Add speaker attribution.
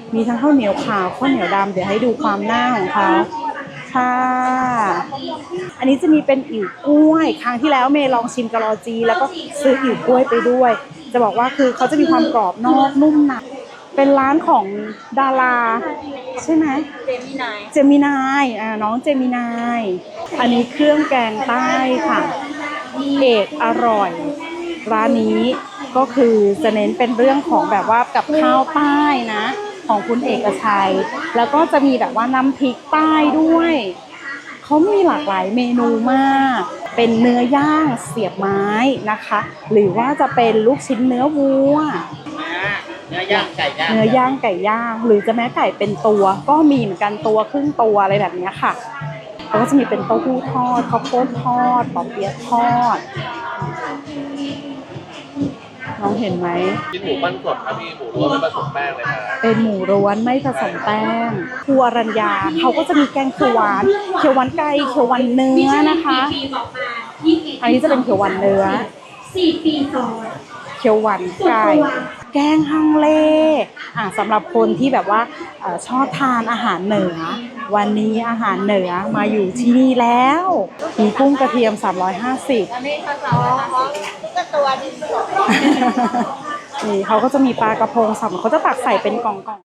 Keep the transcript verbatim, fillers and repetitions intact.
Speaker 1: มีทั้งข้าวเหนียวขาวข้าวเหนียวดำเดี๋ยวให้ดูความหน้าของเขาค่ะอันนี้จะมีเป็นอิ่วกล้วยครั้งที่แล้วเมย์ลองชิมกะลอจีแล้วก็ซื้ออิ่วกล้วยไปด้วยจะบอกว่าคือเขาจะมีความกรอบนอกนุ่มในเป็นร้านของดาราใช่ไหมเจมินายเจมินายอ่าน้องเจมินายอันนี้เครื่องแกงใต้ค่ะเอกอร่อยร้านนี้ก็คือจะเน้นเป็นเรื่องของแบบว่ากับข้าวใต้นะของคุณเอกชัยแล้วก็จะมีแบบว่าน้ำพริกใต้ด้วยเขามีหลากหลายเมนูมากเป็นเนื้อย่างเสียบไม้นะคะหรือว่าจะเป็นลูกชิ้นเนื้อวัว
Speaker 2: เนื้อย่างไก่ย่าง
Speaker 1: เนื้อย่างไก่ย่างหรือจะแม้ไก่เป็นตัวก็มีเหมือนกันตัวครึ่งตัวอะไรแบบนี้ค่ะแล้วก็จะมีเป็นเต้าหู้ทอดข้าวโพดทอดปอเปี๊ยะทอดน้องเห็นไหม
Speaker 2: กินหมูปั้นสดครับพี่หมูล้วนไม่ผสมแป้งเลยครับ
Speaker 1: เป็นหมูล้วนไม่ผสมแป้งครัวรัญญาเขาก็จะมีแกงเขียวหวานเขียวหวานไก่เขียวหวานเนื้อนะคะอันนี้จะเป็นเขียวหวานเนื้อสี่ปีซ้อนเขียวหวานไก่แกงฮังเลอ่ะสำหรับคนที่แบบว่าชอบทานอาหารเหนือวันนี้อาหารเหนือมาอยู่ที่นี่แล้วมีกุ้งกระเทียมสามร้อยห้าสิบนี่เขาก็จะมีปลากระพงสับเขาจะตักใส่เป็นกล่อง